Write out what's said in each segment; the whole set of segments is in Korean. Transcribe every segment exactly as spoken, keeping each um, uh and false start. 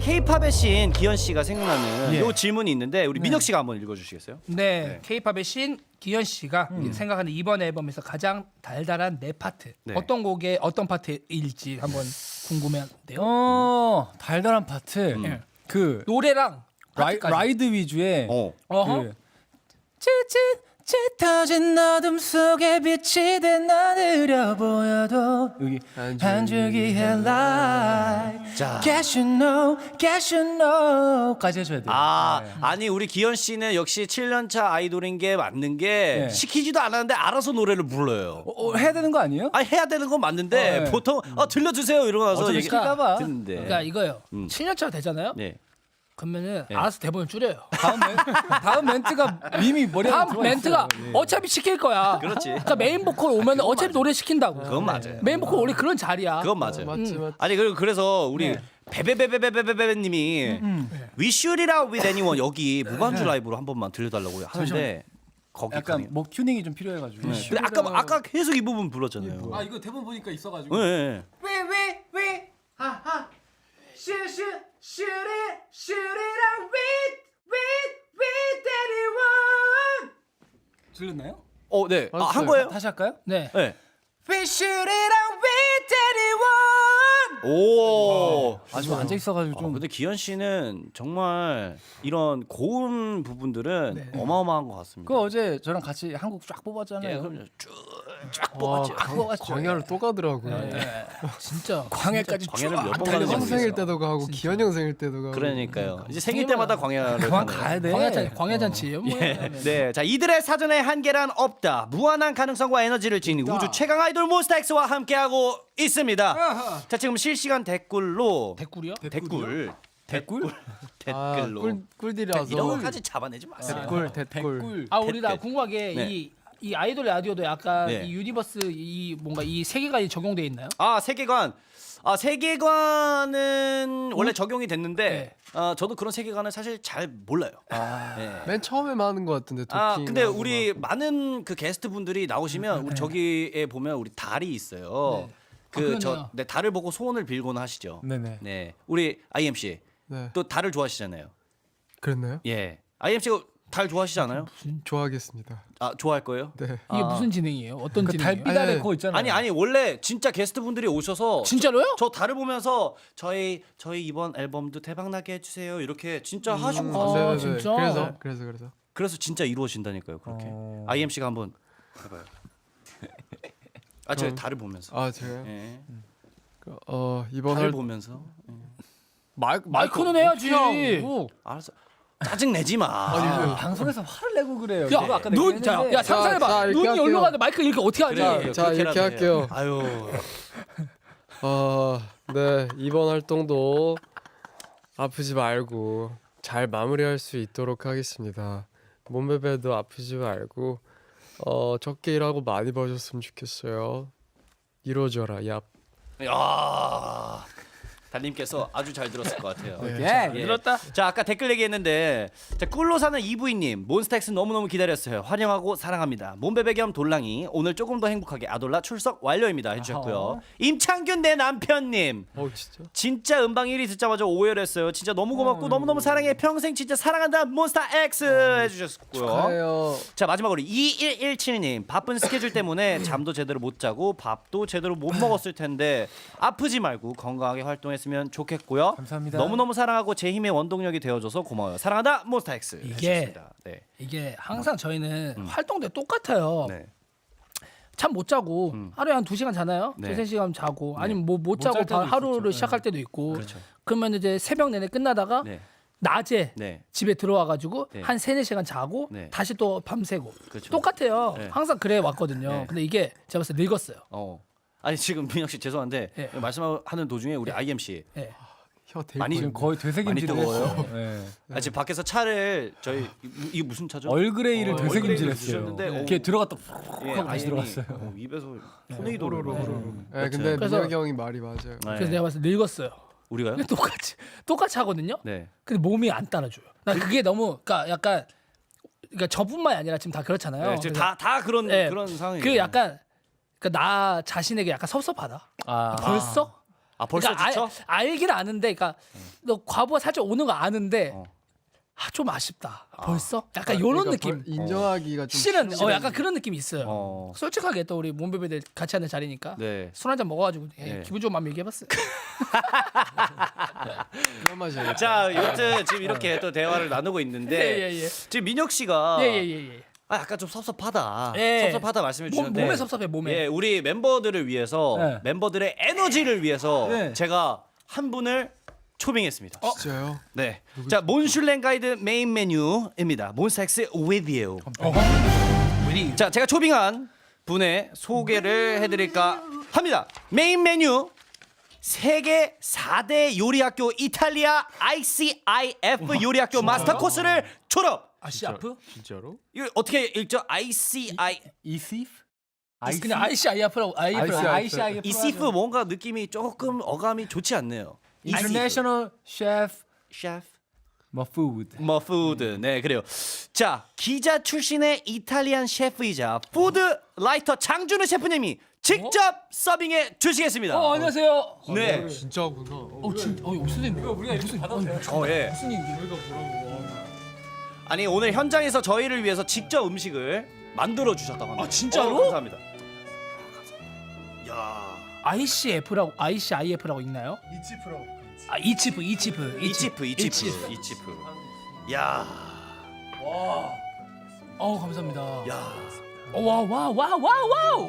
K-팝의 신 기현 씨가 생각나는 예. 요 질문이 있는데 우리 민혁 씨가 한번 읽어주시겠어요? 네, K-팝의 신 기현 씨가 생각하는 이번 앨범에서 가장 달달한 내 파트 네. 어떤 곡의 어떤 파트일지 한번 궁금해한데요. 어 달달한 파트. 예. 그 노래랑 라이, 파트까지. 라이드 위주의 어. 어허. 그 짙은 짙어진 어둠 속에 빛이 된 나느려 보여도 여기 한 줄기 headlight 자. Guess you know, guess you know까지 해줘야 돼요. 아, 네. 아니 우리 기현 씨는 역시 칠 년 차 아이돌인 게 맞는 게 네. 시키지도 않았는데 알아서 노래를 불러요. 어, 어, 해야 되는 거 아니에요? 아 해야 되는 건 맞는데 어, 네. 보통 어, 들려주세요 이러고 나서 어차피 얘기 시킬까봐. 듣는데. 그러니까 이거예요. 음. 칠 년 차 되잖아요. 네. 그러면은 알아서 대본을 줄여요. 다음 멘, 다음 멘트가 이미 머리에 다음 들어와 멘트가 있어요. 예. 어차피 시킬 거야. 그렇지. 그러니까 메인 보컬 오면 어차피 노래 시킨다고. 그건 맞아요. 메인 보컬 원래 그런 자리야. 그건 맞아요. 맞지 맞지. 아니 그리고 그래서 우리 네. 베베베베베베베님이 We shoot it out with anyone 여기 무반주 라이브로 한 번만 들려달라고 하는데 거기 약간 가능해요? 목 튜닝이 좀 필요해가지고. 근데 아까 아까 계속 이 부분 불렀잖아요. 아 이거 대본 보니까 있어가지고. 네, 네. 왜왜왜 하하 슈슈 슈리 슈리랑 with with with anyone 들렸나요? 어, 네. 아, 한 알았어요. 거예요? 다시 할까요? 네. 네. We 슈리랑 with anyone 오. 아주 앉아 있어가지고 어, 좀. 근데 기현 씨는 정말 이런 고음 부분들은 어마어마한 것 같습니다. 그 어제 저랑 같이 한국 쫙 뽑았잖아요. 예, 그럼요. 쭉쫙 와, 뽑았죠. 뽑았죠. 광야를 또 가더라고요. 네. 진짜 광해까지 광해를 쫙 몇 번 달려가면서. 가는지 형 생일 때도 가고 기현 형 생일 때도 가고. 그러니까요. 이제 생일 때마다 광야를 그만 가네요. 가야 돼. 광야잔 광야잔치예요. 뭐. 네, 자 이들의 사전에 한계란 없다. 무한한 가능성과 에너지를 지닌 우주 최강 아이돌 몬스타엑스와 함께하고 있습니다. 자 지금 실시간 댓글로 댓글이요? 댓글 댓글 아, 댓글로 꿀 꿀딜이라서. 이런 것까지 잡아내지 마세요. 댓글 댓글. 아 우리 나 댓글. 궁금한 게 네. 이 이 아이돌 라디오도 약간 네. 이 유니버스 이 뭔가 이 세계관이 적용돼 있나요? 아 세계관. 아 세계관은 원래 적용이 됐는데 네. 어, 저도 그런 세계관을 사실 잘 몰라요. 네. 맨 처음에만 하는 것 같은데 도킹. 아 근데 우리 많은 그 게스트 분들이 나오시면 우리 저기에 보면 우리 달이 있어요. 네. 아, 그 저 그러네요. 네, 달을 보고 소원을 빌곤 하시죠. 네네. 네, 우리 아이엠씨 네. 또 달을 좋아하시잖아요. 그랬나요? 예, 아이엠씨가 달 좋아하시지 않아요? 좋아하겠습니다. 아 좋아할 거예요? 네. 이게 아. 무슨 진행이에요? 어떤 그 진행이에요? 달빛 아래 아니, 그거 있잖아요. 아니 아니 원래 진짜 게스트 분들이 오셔서 진짜로요? 저, 저 달을 보면서 저희 저희 이번 앨범도 대박 나게 해주세요 이렇게 진짜 하시고 아, 가세요. 네네네. 진짜? 그래서 그래서 그래서. 그래서 진짜 이루어진다니까요 그렇게. 어. 아이엠씨가 한번 해봐요. 아 저희 그럼. 달을 보면서. 아 제가요. 예. 어 이번 달을 할 보면서. 마이크 마이크는 해야지. 알았어. 짜증 내지 마. 아, 방송에서 화를 내고 그래요. 야, 제가 아까 눈, 자, 야, 자, 상상해봐. 자, 이렇게 눈이 할게요. 여기로 가는데 마이크 이렇게 어떻게 하지? 그래, 자, 이렇게 그렇게라도 할게요. 해요. 아유. 어, 네 이번 활동도 아프지 말고 잘 마무리할 수 있도록 하겠습니다. 몸베베도 아프지 말고 어 적게 일하고 많이 버셨으면 좋겠어요. 이루어져라. 얍. 야. 달님께서 아주 잘 들었을 것 같아요. 예, 예. 들었다. 자 아까 댓글 얘기했는데 자 꿀로 사는 이브이님 몬스타엑스 너무너무 기다렸어요. 환영하고 사랑합니다. 몸베베 겸 돌랑이 오늘 조금 더 행복하게 아돌라 출석 완료입니다 해주셨고요. 어허. 임창균 내 남편님 어 진짜? 진짜 음방 일 위 듣자마자 오열했어요. 진짜 너무 고맙고 너무너무 사랑해. 평생 진짜 사랑한다 몬스타엑스 해주셨고요. 가요. 자 마지막으로 이일일칠님 바쁜 스케줄 때문에 잠도 제대로 못 자고 밥도 제대로 못 먹었을 텐데 아프지 말고 건강하게 활동했으면 좋겠고요. 감사합니다. 너무너무 사랑하고 제 힘의 원동력이 되어줘서 고마워요. 사랑한다 몬스타엑스. 이게 해주셨습니다. 네. 이게 항상 저희는 활동 때 똑같아요. 네. 잠 못 자고 하루에 한 두 시간 자나요? 네. 두세 시간 자고 아니면 뭐 못 잘 자고 때도 바- 하루를 있었죠. 시작할 때도 있고 그렇죠. 그러면 이제 새벽 내내 끝나다가 네. 낮에 네. 집에 들어와 가지고 네. 한 세네 시간 자고 네. 다시 또 밤새고 그렇죠. 똑같아요. 네. 항상 그래 왔거든요. 네. 근데 이게 제가 봤을 때 늙었어요. 어. 아니 지금 민혁 씨 죄송한데 네. 말씀하는 도중에 우리 아이엠씨 예. 혀 대고 많이 지금 거의 되새김질을 많이 더워요. 했어요. 예. 아, 지금 밖에서 차를 저희 이- 이게 무슨 차죠? 얼그레이를 어, 되새김질했어요. 얼그레이를 주셨는데, 어. 이렇게 들어갔다 예, 하고 다시 아이엠이, 들어갔어요. 어, 입에서 토네이도를 네, 근데 그래서- 민혁이 형이 말이 맞아요. 네. 그래서 내가 봤을 때 늙었어요. 우리가요? 근데 똑같이 똑같이 하거든요. 네. 근데 몸이 안 따라줘요. 나 그게 너무 그러니까 약간 그러니까 저뿐만이 아니라 지금 다 그렇잖아요. 네, 지금 그래서 다, 다 그런 네. 그런 상황이에요. 그 약간 그러니까 나 자신에게 약간 섭섭하다. 아, 벌써 아 벌써 그러니까 지쳐? 알, 알긴 아는데, 그러니까 너 과부하 살짝 오는 거 아는데 어. 아, 좀 아쉽다. 벌써? 약간 요런 그러니까 느낌. 벌- 인정하기가 좀 실은 싫은- 어 약간 그런 느낌이 있어요. 어. 솔직하게 또 우리 몸베베들 같이 하는 자리니까 네. 술 한 잔 먹어가지고 예, 네. 기분 좋은 마음 얘기해봤어요. 그런 맛이 아니라. 자, 여튼 지금 이렇게 또 대화를 나누고 있는데 예, 예, 예. 지금 민혁 씨가 예예예 예. 아, 약간 좀 섭섭하다. 예. 섭섭하다 말씀해 몸, 주셨는데 몸에 섭섭해 몸에. 예, 우리 멤버들을 위해서 네. 멤버들의 에너지를 위해서 네. 제가 한 분을 초빙했습니다. 진짜요? 네. 자, 몬슐랭 가이드 메인 메뉴입니다. 몬스타엑스 with you. 우리 자, 제가 초빙한 분의 소개를 해드릴까 합니다. 메인 메뉴 세계 사 대 요리학교 이탈리아 아이씨아이에프 요리학교 마스터 코스를 졸업. 아시 아프? 진짜로? 이거 어떻게 읽죠? 아이씨아이 이시프? 그냥 아이씨아이에프라고 아이에프라고. 아이씨아이에프 이시프 뭔가 느낌이 조금 어감이 좋지 않네요. International Chef 셰프 뭐 Food. 뭐 푸드. 네, 그래요. 자, 기자 출신의 이탈리안 셰프이자 푸드 라이터 장준우 셰프님이 직접 서빙해 주시겠습니다. 어 안녕하세요. 네. 진짜구나. 어 진, 어 선생님 우리가 이렇게 받아도 돼요? 어, 예. 무슨 일이야? 아니, 오늘 현장에서 저희를 위해서 직접 음식을 만들어 주셨다고 합니다. 아, 진짜로? 어, 감사합니다. 야. 아이씨에프라고 아이씨아이에프라고 있나요? 이치프라고. 아 이치프 이치프 이치프, 이치프, 이치프. 야. 어 감사합니다. 야. 와와와와 와우.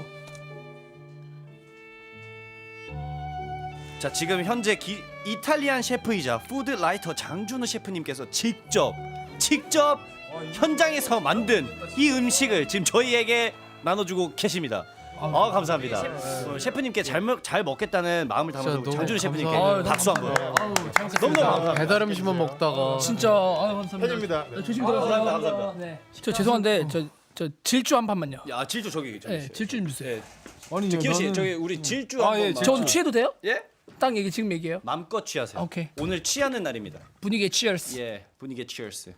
자, 지금 현재 기, 이탈리안 셰프이자 푸드 라이터 장준우 셰프님께서 직접 직접 현장에서 만든 이 음식을 지금 저희에게 나눠주고 계십니다. 아, 감사합니다. 어, 셰프님께 잘, 먹, 잘 먹겠다는 마음을 담아서 진짜 너무 장준우 셰프님께 감사합니다. 박수 한번. 아우 잘 먹겠습니다. 너무너무 감사합니다. 배달 음식만 먹다가 진짜 아 감사합니다. 팬입니다. 네, 조심 들어가세요. 감사합니다, 감사합니다. 네. 저 죄송한데 저 저 질주 한 판만요. 야, 질주 저기 저기. 네, 질주 좀 주세요. 아니 기호 씨, 나는- 저기 우리 질주 아, 한 예, 번만. 질주. 전 취해도 돼요? 예? 딱 얘기 지금 얘기해요. 마음껏 취하세요. 오케이. 오늘 취하는 날입니다. 분위기에 치얼스. 예, 분위기 치얼스.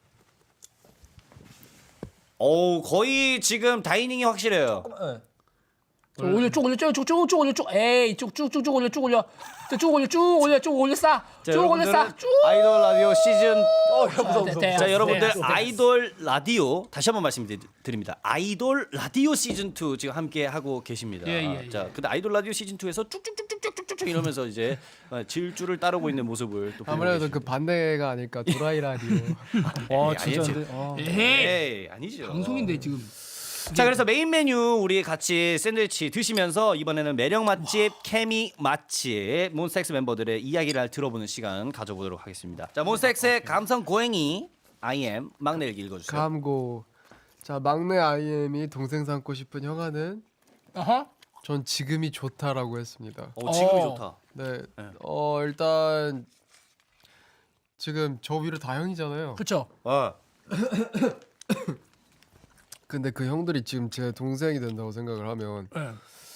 오, 거의 지금 다이닝이 확실해요. 저 올려 쭉 올려 쭉쭉쭉 올려 쭉 에이 쭉쭉쭉쭉 올려 쭉 올려 쭉 올려 쭉 올려 쭉 올려 자, 싸쭉 올려 여러분들은 싸쭉 아이돌 라디오 시즌 네, 자, 네, 여러분들 네, 네. 아이돌 라디오 다시 한번 말씀드립니다. 아이돌 라디오 시즌 이 지금 함께 하고 계십니다. 예, 예, 예. 자, 근데 아이돌 라디오 시즌 이에서 쭉쭉쭉쭉쭉쭉쭉 이러면서 이제 어, 질주를 따르고 있는 모습을 또 보고 아무래도 그 계십니다. 반대가 아닐까 도라이 라디오. 와 아니, 진짜 아니, 근데 아. 에이 에이, 아니죠. 방송인데 지금 자, 그래서 메인 메뉴 우리 같이 샌드위치 드시면서 이번에는 매력 맛집, 케미 맛집 몬스타엑스 멤버들의 이야기를 들어보는 시간 가져보도록 하겠습니다. 자, 몬스타엑스의 감성 고행이 아이엠 막내 일기 읽어주세요. 감고. 자, 막내 아이엠이 동생 삼고 싶은 형아는 어허 전 지금이 좋다라고 했습니다. 어, 지금이 어. 좋다. 네. 네. 어, 일단 지금 저 위로 다 형이잖아요. 그쵸 어. 근데 그 형들이 지금 제 동생이 된다고 생각을 하면 네.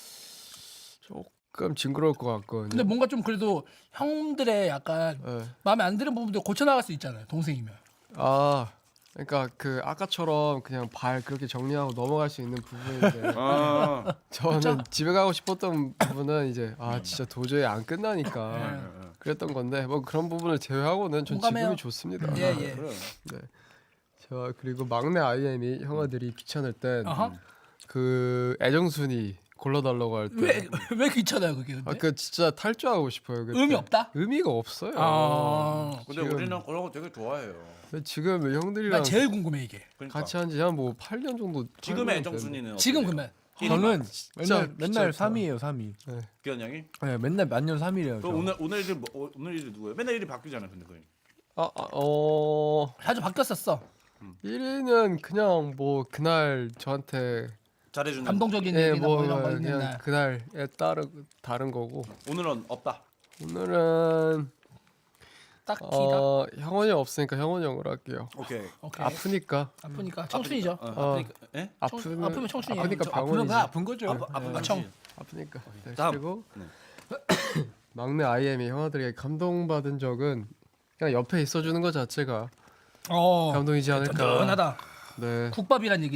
조금 징그러울 것 같거든요. 근데 뭔가 좀 그래도 형들의 약간 네. 마음에 안 드는 부분도 고쳐 나갈 수 있잖아요 동생이면 아, 그러니까 그 아까처럼 그냥 발 그렇게 정리하고 넘어갈 수 있는 부분인데 어. 저는 집에 가고 싶었던 부분은 이제 아 진짜 도저히 안 끝나니까 그랬던 건데 뭐 그런 부분을 제외하고는 전 공감해요. 지금이 좋습니다. 예예 네. 저 그리고 막내 아이엠이 형아들이 귀찮을 땐 어허 그 애정순이 골라달라고 할 때. 왜 왜 귀찮아요 그게 근데 아, 그 진짜 탈주하고 싶어요. 그때. 의미 없다? 의미가 없어요. 아 근데 지금- 우리는 그런 거 되게 좋아해요. 지금 형들이랑 난 제일 궁금해 이게 그러니까. 같이 한지 한 뭐 팔 년 정도. 지금의 팔 년 애정순이는 지금 어떠세요? 그러면 저는 진짜 맨날 맨날 귀찮다. 삼 위예요 삼 위. 기현 형이? 네, 맨날 만년 삼 위래요. 그럼 오늘 오늘 일 뭐, 어, 오늘 일이 누구예요? 맨날 일이 바뀌잖아, 근데 거의. 아, 아, 어 자주 바뀌었었어 일 위는 그냥 뭐 그날 저한테 잘해주는. 감동적인 예, 얘기나 뭐 뭐 이런 거 있는 그냥 날 그날에 따른 다른 거고 오늘은 없다. 오늘은 딱히가 어 형원이 없으니까 형원이 형으로 할게요. 오케이. 오케이 아프니까 아프니까 청춘이죠 어, 어. 아프니까. 예? 아프면 아프면 청춘이에요. 아프니까 저 아프는 병원이지. 거 아픈 거죠. 아프 아픈 아, 청. 아프니까. 네, 다음. 그리고 네. 막내 아이엠이 형아들에게 감동받은 적은 그냥 옆에 있어주는 것 자체가 어 감동이지 않을까. 든든하다 네. 국밥이란 얘기죠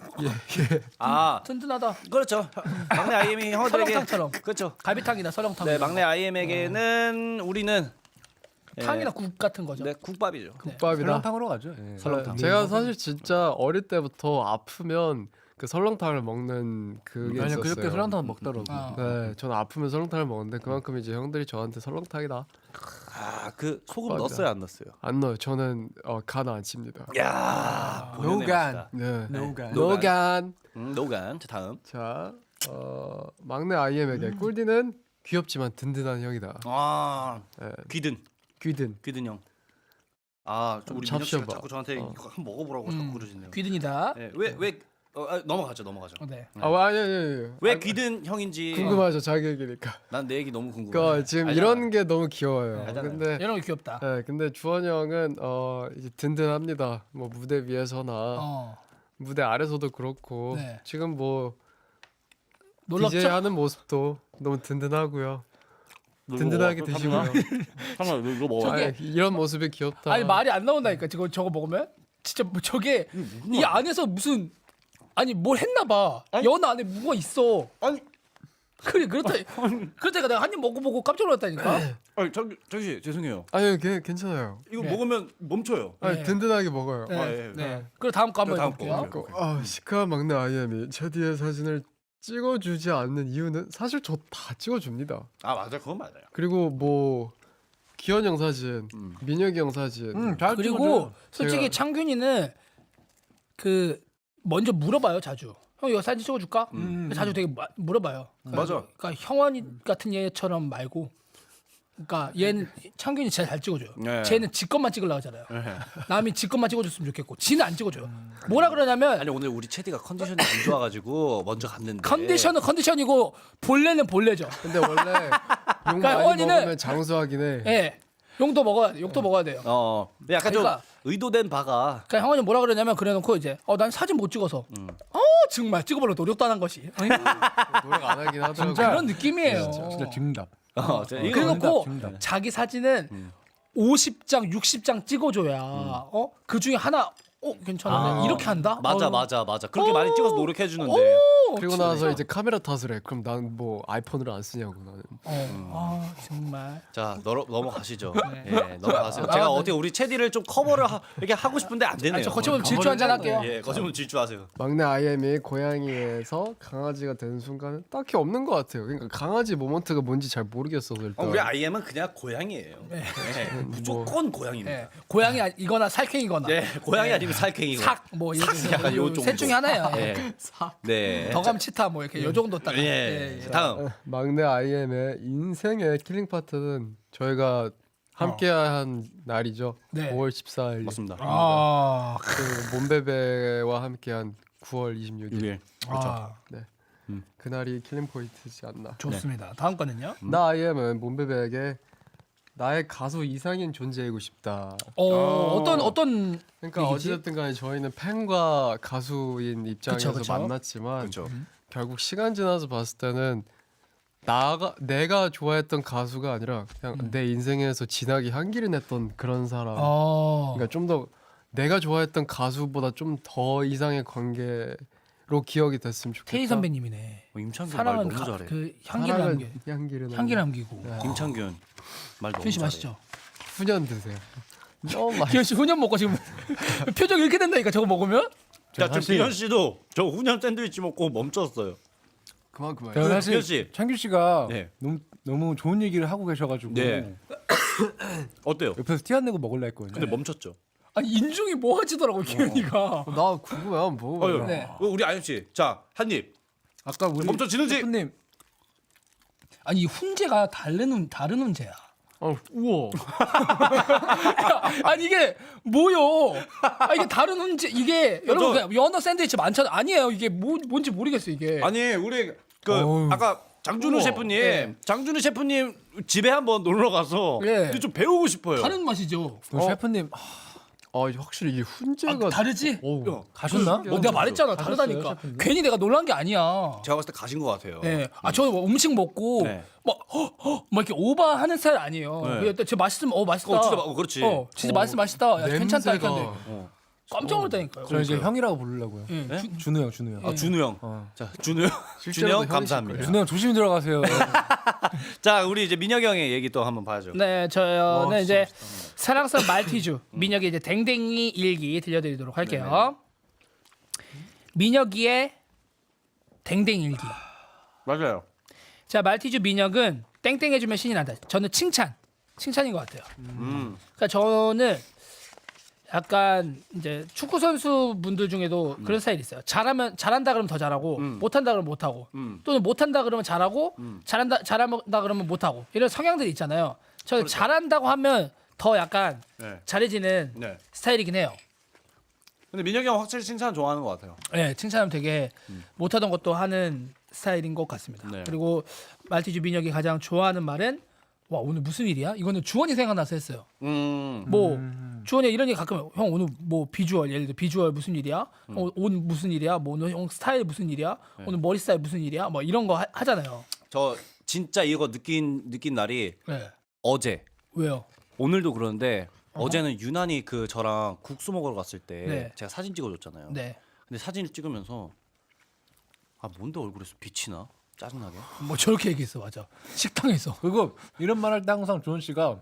아 든든하다. 그렇죠. 막내 아이엠이 형들에게 설렁탕처럼. 그렇죠. 갈비탕이나 설렁탕. 네 막내 아이엠에게는 우리는 예, 탕이나 국 같은 거죠. 네 국밥이죠. 국밥이다. 설렁탕으로 가죠. 예. 설렁탕. 제가 사실 진짜 어릴 때부터 아프면 그 설렁탕을 먹는 그게 아니 있었어요. 그저께 설렁탕 먹더라고. 아. 네, 저는 아프면 설렁탕을 먹는데 그만큼 이제 형들이 저한테 설렁탕이다 아그 소금 국밥이다. 넣었어요 안 넣었어요? 안 넣어요. 저는 어, 간 안 칩니다. 야 노간. 네, 노간. 노간. 음, 노간. 자 다음. 자, 어, 막내 아이엠에게 꿀디는 귀엽지만 든든한 형이다. 아 네, 귀든 귀든. 귀든 형. 아 좀 우리 민혁 씨가 잡숴봐. 자꾸 저한테 어. 이거 한번 먹어보라고 음, 자꾸 그러시네요. 귀든이다. 네, 왜왜 어, 아, 넘어가죠 넘어가죠. 어, 네. 아, 아니 아니 아니. 왜 아, 귀든 형인지 궁금하죠 자기 얘기니까. 난 내 얘기 너무 궁금해. 그러니까 지금 알잖아. 이런 게 너무 귀여워요. 알잖아요. 근데 이런 거 귀엽다. 네, 근데 주원 형은 어 이제 든든합니다. 뭐 무대 위에서나 어. 무대 아래서도 그렇고 네. 지금 뭐 놀랍죠? 디제이 하는 모습도 너무 든든하고요. 든든하게 드시고요. 잠깐만 이거 먹어. 아, 이런 모습이 귀엽다. 아니 말이 안 나온다니까. 지금 저거 먹으면 진짜 뭐 저게 이 안에서 무슨 아니 뭘 했나 봐. 연 안에 뭐가 있어. 아니 그래 그렇다. 그렇다니까 내가 한 입 먹어보고 깜짝 놀랐다니까. 아니 저기 저기 씨, 죄송해요. 아니 괜- 괜찮아요. 이거 네. 먹으면 멈춰요. 아니 네. 든든하게 먹어요. 네. 아, 예, 네. 그리고 다음 거 한번 다음 해볼게요. 거. 그, 아 시크한 막내 아이엠이 제 뒤에 사진을 찍어주지 않는 이유는 사실 저 다 찍어줍니다. 아 맞아 그건 맞아요. 그리고 뭐 기현 형 사진, 음. 민혁이 형 사진, 음, 잘 그리고 찍어줘요. 솔직히 제가- 창균이는 그 먼저 물어봐요 자주. 형 이거 사진 찍어줄까? 음. 자주 되게 마- 물어봐요. 그러니까, 맞아. 그러니까 형원이 같은 얘처럼 말고, 그러니까 얘는 창균이 제일 잘 찍어줘요. 네. 쟤는 지 것만 찍으려고 하잖아요. 네. 남이 지 것만 찍어줬으면 좋겠고, 지는 안 찍어줘요. 뭐라 그러냐면 아니 오늘 우리 체디가 컨디션이 안 좋아가지고 먼저 갔는데. 컨디션은 컨디션이고 본래는 본래죠. 근데 원래 용 많이 형원이는- 먹으면 장수하긴 해. 예, 용도 먹어야 돼. 욕도 먹어야 돼요. 어. 근데 약간 그러니까- 좀 의도된 바가. 그러니까 형원이 뭐라 그러냐면 그래놓고 이제 어 난 사진 못 찍어서 음. 어 정말 찍어보려 노력도 안 한 것이 어이, 노력 안 하긴 하더라고. 진짜. 그런 느낌이에요. 진짜 증답. 어. 저 이거 그래놓고 정답. 자기 사진은 음. 오십 장, 육십 장 찍어줘야 어? 그 중에 하나 어 괜찮은데 아. 이렇게 한다? 맞아 어. 맞아 맞아. 그렇게 많이 찍어서 노력해 주는데. 어, 그리고 진짜. 나서 이제 카메라 탓을 해. 그럼 난 뭐 아이폰을 안 쓰냐고 나는. 어, 아 정말 자 넘어 넘어가시죠. 네. 예, 넘어가세요. 아, 제가 네. 어떻게 우리 체디를 좀 커버를 하, 이렇게 하고 싶은데 안 되네요. 아, 저 거치면 질주 한잔 할게요. 예, 거치면 질주하세요. 막내 아이엠이 고양이에서 강아지가 되는 순간은 딱히 없는 것 같아요. 그러니까 강아지 모먼트가 뭔지 잘 모르겠어서 일단. 어, 우리 아이엠은 그냥 고양이에요. 예, 무조건 고양이입니다. 예, 고양이 아니- 이거나 살쾡이거나 예, 고양이 아니면 살쾡이고. 삭뭐 약간 요 정도. 셋 중에 하나예요. 예. 네. 더감 치타 뭐 이렇게 요 정도 딱. 예. 예, 예. 다음. 막내 아이엠의 인생의 킬링 파트는 저희가 함께한 날이죠. 네. 오월 십사일. 맞습니다. 아, 그 몬베베와 함께한 구월 이십육일. 육 일. 아, 그날이 킬링 포인트지 않나. 좋습니다. 다음 거는요? 나 아이엠은 몬베베에게 나의 가수 이상인 존재이고 싶다. 어, 어떤 어떤 그러니까 얘기지? 어찌됐든 간에 저희는 팬과 가수인 입장에서 그쵸, 그쵸. 만났지만 그렇죠. 결국 시간 지나서 봤을 때는 나가 내가 좋아했던 가수가 아니라 그냥 내 인생에서 진하게 향기를 냈던 그런 사람. 어, 그러니까 좀 더 내가 좋아했던 가수보다 좀 더 이상의 관계로 기억이 됐으면 좋겠다. 테이 선배님이네. 어, 임창균 말 사랑은 너무 가, 잘해. 그 향기를 사랑은 남기 향기를 향기 남기고. 임창균 말 너무 기현 씨 잘해. 마시죠. 훈연 드세요. 너무 맛. 기현 씨 훈연 먹고 지금 표정 이렇게 된다니까 저거 먹으면. 자, 지금 사실- 비현 씨도 저 훈연 샌드위치 먹고 멈췄어요. 그만 그만. 제가 그, 사실 기현 씨. 창규 씨가 네. 너무 너무 좋은 얘기를 하고 계셔가지고 네. 어때요? 옆에서 티 안 내고 먹을라 했거든요. 근데 멈췄죠. 아니 인중이 뭐 하지더라고 기현이가. 나 궁금해 한번 먹어봐요. 어, 네. 우리 아연 씨, 자, 한 입. 아까 우리 멈춰지는지? 셰프님 아니 이 훈제가 다른 훈 다른 훈제야. 어, 우와. 아니 이게 뭐요? 아 이게 다른 훈제 이게 여러분 저- 그냥 연어 샌드위치 많잖아. 아니에요 이게 뭐 뭔지 모르겠어 이게. 아니, 우리 그 어우. 아까 장준우 우와. 셰프님, 네. 장준우 셰프님 집에 한번 놀러 가서 네. 근데 좀 배우고 싶어요. 다른 맛이죠. 우리 셰프님 아, 아 확실히 이게 아, 훈제가 다르지? 어우. 가셨나? 어, 내가 말했잖아 가셨어요, 다르다니까. 셰프님? 괜히 내가 놀란 게 아니야. 제가 봤을 때 가신 것 같아요. 네. 아, 저 음식 먹고 네. 막, 허, 허, 막 이렇게 오버하는 스타일 아니에요. 네. 그냥 저 맛있으면 어 맛있다. 어, 진짜 마- 어, 그렇지. 어, 진짜 맛있어 맛있다. 야, 괜찮다 이렇게 냄새가 하는데. 어. 깜짝 놀랐다니까요. 저 이제 형이라고 부르려고요. 예, 네? 주- 준우 형, 준우 형. 아 준우 형. 어. 자 준우 형. 준우 실제로도 형 형이실 감사합니다. 거예요. 준우 형 조심히 들어가세요. 자 우리 이제 민혁이 형의 얘기 또 한번 봐야죠. 네, 저는 와, 이제 사랑스러운 말티즈 민혁이 이제 댕댕이 일기 들려드리도록 할게요. 민혁이의 댕댕이 일기. 맞아요. 자, 말티즈 민혁은 땡땡 해주면 신이 난다. 저는 칭찬, 칭찬인 것 같아요. 음. 그러니까 저는 약간 이제 축구 선수 분들 중에도 그런 스타일이 있어요. 잘하면 잘한다 그러면 더 잘하고 음. 못한다 그러면 못하고 음. 또는 못한다 그러면 잘하고 음. 잘한다 잘한다 그러면 못하고 이런 성향들이 있잖아요. 저는 잘한다고 하면 더 약간 네. 잘해지는 네. 스타일이긴 해요. 근데 민혁이 형 확실히 칭찬 좋아하는 것 같아요. 네, 칭찬하면 되게 못하던 것도 하는 스타일인 것 같습니다. 네. 그리고 말티즈 민혁이 가장 좋아하는 말은 와 오늘 무슨 일이야? 이거는 주원이 생각나서 했어요. 음. 뭐 주원이 이런 얘기 가끔 형 오늘 뭐 비주얼 예를 들어 비주얼 무슨 일이야? 어, 옷 무슨 일이야? 뭐 오늘 형 스타일 무슨 일이야? 오늘 머리 스타일 무슨 일이야? 뭐 이런 거 하, 하잖아요. 저 진짜 이거 느낀 느낀 날이 네. 어제. 왜요? 오늘도 그러는데 어제는 유난히 그 저랑 국수 먹으러 갔을 때 네. 제가 사진 찍어줬잖아요. 네. 근데 사진을 찍으면서 아 뭔데 얼굴에서 빛이 나? 짜증나게. 뭐 저렇게 얘기했어 맞아. 식당에서. 그리고 이런 말 할 때 항상 조은 씨가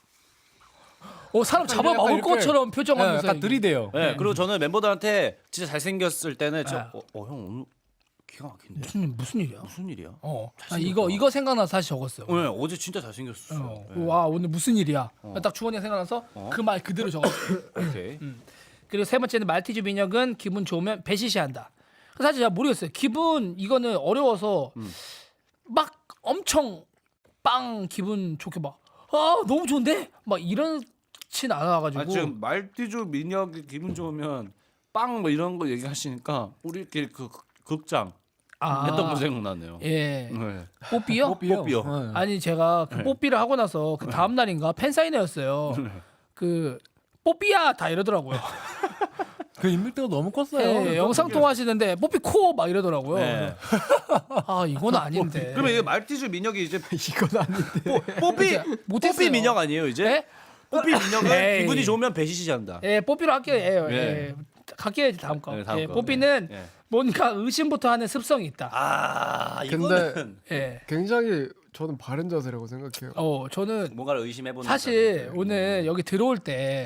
어 사람 잡아 약간 먹을 이렇게- 것처럼 네, 표정하면서 약간 얘기해. 들이대요. 네, 그리고 저는 멤버들한테 진짜 잘생겼을 때는 네. 진짜 어 형 오늘 기가 막힌데 무슨 무슨 일이야? 무슨 일이야? 어. 아, 잘생겼다. 이거 이거 생각나서 다시 적었어요. 네, 어제 진짜 잘생겼어. 어. 네. 와 오늘 무슨 일이야? 딱 주원이가 생각나서 어. 그 말 그대로 적었어요. 오케이. 그리고 세 번째는 말티즈 민혁은 기분 좋으면 배시시한다. 사실 제가 모르겠어요. 기분 이거는 어려워서 음. 막 엄청 빵 기분 좋게 막 아 너무 좋은데 막 이런진 않아가지고 아 지금 말티즈 민혁이 기분 좋으면 빵 뭐 이런 거 얘기하시니까 우리끼리 그 극- 극장 아, 했던 거 생각나네요. 예 네. 뽀삐요? 뽀삐요. 뽀삐요. 네. 아니 제가 그 네. 뽀삐를 하고 나서 그 다음 날인가 팬사인회였어요. 그 뽀삐야 다 이러더라고요. 그 인물대가 너무 컸어요. 예, 영상 통화하시는데 뽀삐 코 막 이러더라고요. 네. 아 이건 아닌데. 그러면 이게 말티즈 민혁이 이제 이건 아닌데. 뽀, 삐 못했어요. 뽀삐 민혁 아니에요 이제? 네? 뽀삐 민혁은 에이. 기분이 좋으면 배시시 한다. 예, 뽀삐로 할게요. 예, 예. 예. 갈게요 이제 다음 거. 네, 다음 예, 거. 뽀삐는 네. 예. 뭔가 의심부터 하는 습성이 있다. 아 근데 이거는 예. 굉장히 저는 바른 자세라고 생각해요. 어 저는 뭔가를 의심해보는 사실 거잖아요. 오늘 여기 들어올 때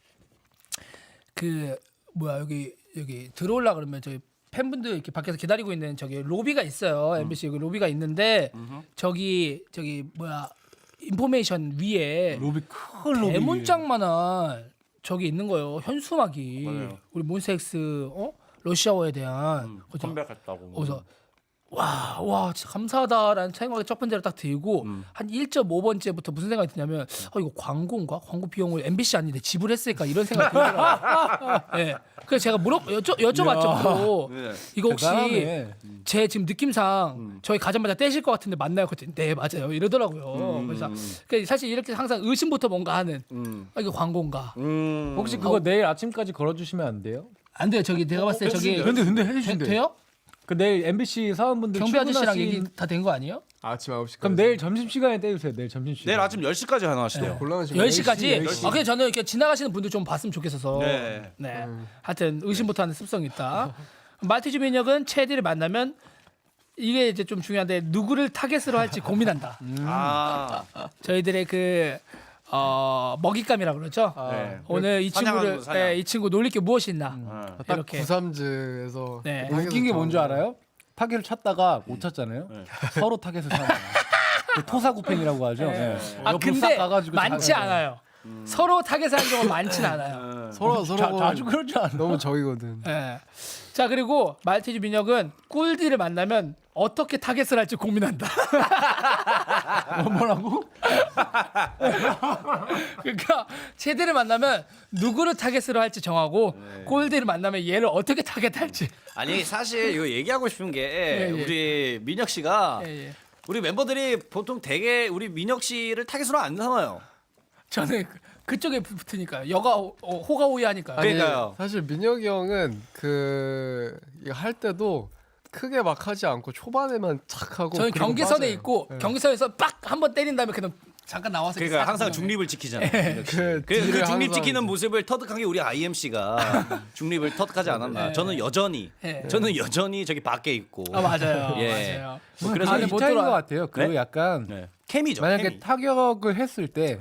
그 아, 뭐야 여기 여기 들어올라 그러면 저희 팬분들 이렇게 밖에서 기다리고 있는 저기 로비가 있어요. 엠비씨 그 로비가 있는데 음흠. 저기 저기 뭐야 인포메이션 위에 로비 큰 로비. 대문짝만한 저기 있는 거예요. 현수막이 맞아요. 우리 몬스엑스 어 러시아어에 대한 음, 거기서 컴백했다고. 그래서 와, 와, 진짜 감사하다라는 생각이 첫 번째로 딱 들고 음. 한 일 점 오 번째부터 무슨 생각이 드냐면 어 이거 광고인가? 광고 비용을 엠비씨 아닌데 지불했을까 이런 생각이 들더라고요. 예. 그래서 제가 물어 여쭤 여쭤봤죠. 또. 네. 이거 혹시 대단하네. 제 지금 느낌상 음. 저희 가자마자 떼실 것 같은데 맞나요? 그랬더니 네 맞아요 이러더라고요. 음. 그래서 그 사실 이렇게 항상 의심부터 뭔가 하는 음. 아, 이거 광고인가? 음. 혹시 그거 내일 아침까지 걸어주시면 안 돼요? 안 돼요. 저기 내가 봤을 때 저기 근데 근데 되, 해주신대. 돼요? 그 내일 엠비씨 사원분들 경비 아저씨랑 출근하신- 얘기 다 된 거 아니에요? 아침 아홉 시까지. 그럼 내일 점심 시간에 떼주세요. 내일 점심 시간. 내일 아침 열 시까지 하나 하시대요. 곤란한 시간. 열 시까지? 열 시. 아, 그래 저는 이렇게 지나가시는 분들 좀 봤으면 좋겠어서. 네. 네. 하여튼 의심부터 하는 습성이 있다. 말티즈 민혁은 체디를 만나면 이게 이제 좀 중요한데 누구를 타겟으로 할지 고민한다. 아. 저희들의 그 어, 먹잇감이라고 그러죠. 네. 오늘 이 사냥하는 친구를 거, 사냥. 네, 이 친구 놀릴 게 무엇이 있나. 아. 딱 이렇게. 구삼즈에서 네. 웃긴 게 뭔지 알아요? 타겟을 찾다가 못 찾잖아요. 네. 서로 타겟을 찾는 거예요. 그 토사구팽이라고 하죠. 네. 아 옆으로 근데 싹 가가지고 많지 찾아요. 않아요. 서로 타겟을 하는 경우는 많진 않아요. 서로 자, 서로 자주 그러지 않아. 너무 적이거든. 예. 자 그리고 말티즈 민혁은 꿀디를 만나면 어떻게 타겟을 할지 고민한다. 뭐라고? 그러니까 체디를 만나면 누구를 타겟으로 할지 정하고 네. 꿀디를 만나면 얘를 어떻게 타겟할지. 아니 사실 이거 얘기하고 싶은 게 예, 예. 우리 민혁 씨가 예, 예. 우리 멤버들이 보통 되게 우리 민혁 씨를 타겟으로 안 삼아요. 저는 그- 그쪽에 붙- 붙으니까요. 여가 호- 어, 호가 호위하니까요. 아니, 그러니까요. 사실 민혁이 형은 그 이거 할 때도 크게 막 하지 않고 초반에만 착 하고 저는 그리고 경계선에 빠져요. 있고 네. 경계선에서 빡 한 번 때린 다음에 그냥 잠깐 나와서 그러니까 이렇게 항상 싹 중립을 지키잖아요. 역시. 그 그, 그 뒤를 중립 항상 지키는 이제- 모습을 터득한 게 우리 아이엠씨가 중립을 터득하지 않았나. 네. 저는 여전히 네. 저는 여전히 저기 밖에 있고. 아 맞아요. 예. 맞아요. 뭐 그래서 그래서 아, 이 못 차이인 들어와. 것 같아요. 그 네? 약간 네. 케미죠. 만약에 케미. 타격을 했을 때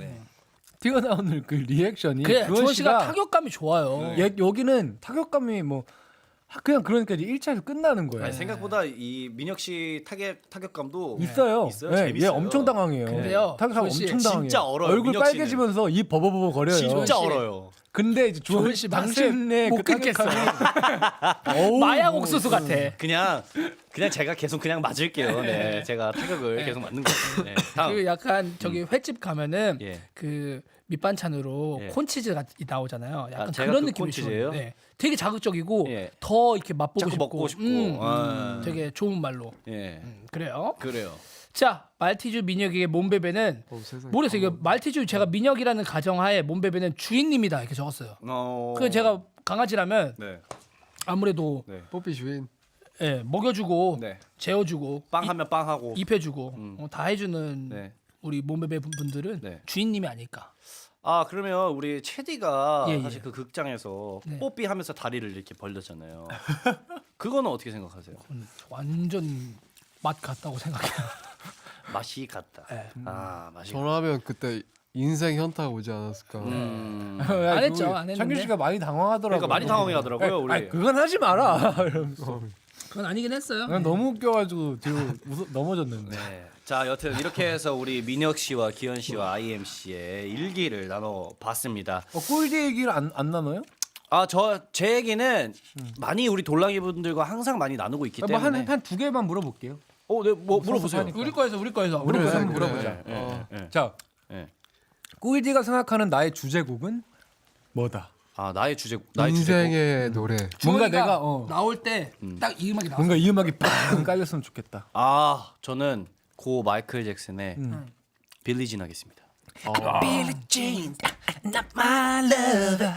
튀어나오는 그 리액션이 그래 주원 주원 씨가 씨가 타격감이 좋아요. 예, 여기는 타격감이 뭐 하- 그냥 그러니까 이제 일 차에서 끝나는 거예요. 아니, 생각보다 이 민혁 씨 타격 타격감도 있어요. 있어요. 예, 재밌어요. 얘 엄청 당황해요. 근데요, 타격하면 주원 씨 엄청 당황해요. 진짜 얼어요, 얼굴 민혁 씨는. 빨개지면서 입 버버버버 거려요. 진짜 씨. 얼어요. 근데 이제 주원 주원 씨 씨 맛을 당신의 못 그 끊겠어. 타격감이 어우, 마약 뭐, 옥수수 같아. 그냥 그냥 제가 계속 그냥 맞을게요. 네, 제가 타격을 계속 맞는 거예요. 네. 다음. 그 약간 저기 횟집 가면은 예. 그 밑반찬으로 예. 콘치즈가 나오잖아요. 약간 아, 제가 그런 그 느낌이 콘치즈예요? 좋아요. 네. 되게 자극적이고 예. 더 이렇게 맛보고 자꾸 싶고, 먹고 싶고. 음, 아. 음, 되게 좋은 말로. 예. 음, 그래요. 그래요. 자, 말티즈 민혁에게 몸베베는 어, 세상에. 모르겠어요. 이거 말티즈 제가 민혁이라는 가정하에 몸베베는 주인님이다 이렇게 적었어요. 어. 그 제가 강아지라면 네. 아무래도 네. 뽀삐 주인. 예, 먹여주고 네. 재워주고 빵 하면 빵 하고. 입혀주고 음. 어, 다 해주는 네. 우리 몸베베 분들은 네. 주인님이 아닐까. 아 그러면 우리 체디가 예, 예. 사실 그 극장에서 네. 뽀삐 하면서 다리를 이렇게 벌렸잖아요. 그거는 어떻게 생각하세요? 음, 완전 맛 같다고 생각해요. 맛이 같다. 네. 아 맛이. 저라면 그때 인생 현타가 오지 않았을까. 음. 야, 안 했죠, 그거 안 했는데. 창균 씨가 많이 당황하더라고요. 그러니까 많이 당황해 하더라고요, 우리. 아니, 그건 하지 마라. 이러면서. 그건 아니긴 했어요. 난 너무 웃겨가지고 뒤로 웃어, 넘어졌는데. 네. 자 여튼 이렇게 해서 우리 민혁 씨와 기현 씨와 아이엠 씨의 일기를 나눠 봤습니다. 어, 꿀디 얘기를 안, 안 나눠요? 아 저 제 얘기는 많이 우리 돌랑이 분들과 항상 많이 나누고 있기 때문에. 뭐한 한 두 개만 물어볼게요. 어, 네, 뭐 물어보세요. 하니까. 우리 거에서 우리 거에서 우리 그래, 거에서 한번 그래. 물어보자. 예, 어. 예, 예. 자, 예. 꿀디가 생각하는 나의 주제곡은 뭐다? 아 나의 주제 나의 주제곡. 인생의 노래. 뭔가 주원이가 내가 어, 나올 때 딱 이 음악이 나왔어. 뭔가 이 음악이 빵 깔렸으면 좋겠다. 아 저는 고 마이클 잭슨의 음. 빌리진 하겠습니다. Billie Jean, not my lover.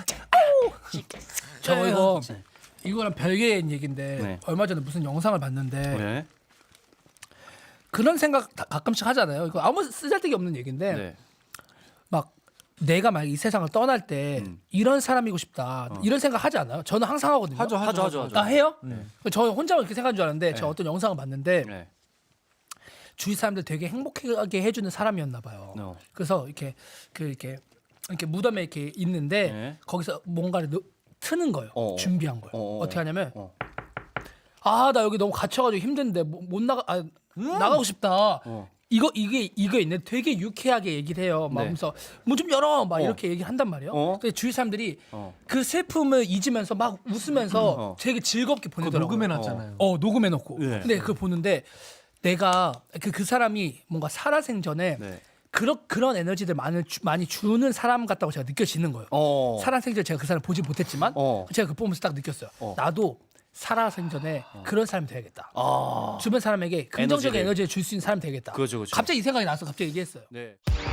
저 이거 이거랑 별개의 얘기인데 네. 얼마 전에 무슨 영상을 봤는데 네. 그런 생각 다- 가끔씩 하잖아요. 이거 아무 쓰잘데기 없는 얘기인데 네. 막 내가 막 이 세상을 떠날 때 음. 이런 사람이고 싶다 이런 생각 하지 않아요? 저는 항상 하거든요. 하죠, 하죠, 하죠, 하죠. 아 해요? 네. 저 혼자 그렇게 생각한 줄 알았는데 제가 네. 어떤 영상을 봤는데 네. 주위 사람들 되게 행복하게 해주는 사람이었나 봐요. 어. 그래서 이렇게 그 이렇게 이렇게 무덤에 이렇게 있는데 네. 거기서 뭔가를 넣- 트는 거예요. 어. 준비한 거예요. 어, 어. 어, 떻게 하냐면 어. 아 나 여기 너무 갇혀가지고 힘든데 못, 못 나가 아, 나가고 싶다. 어. 이거 이게 이거 있네. 되게 유쾌하게 얘기를 해요. 막 네. 하면서 문 좀 열어 막 어. 이렇게 얘기를 한단 말이에요. 어. 근데 주위 사람들이 어. 그 슬픔을 잊으면서 막 웃으면서 어. 되게 즐겁게 그거 보내더라고요. 녹음해놨잖아요. 어 녹음해 놓고. 네. 근데 그걸 보는데 내가 그, 그 사람이 뭔가 살아생전에 네. 그런 그런 에너지들 많이 주, 많이 주는 사람 같다고 제가 느껴지는 거예요. 어. 살아생전 제가 그 사람 을 보지 못했지만 어. 제가 그 보면서 딱 느꼈어요. 어. 나도 살아생전에 그런 사람이 돼야겠다. 아. 주변 사람에게 긍정적인 에너지를. 에너지를 줄 수 있는 사람이 되겠다. 그렇죠, 그렇죠. 갑자기 이 생각이 나서 갑자기 얘기했어요. 네.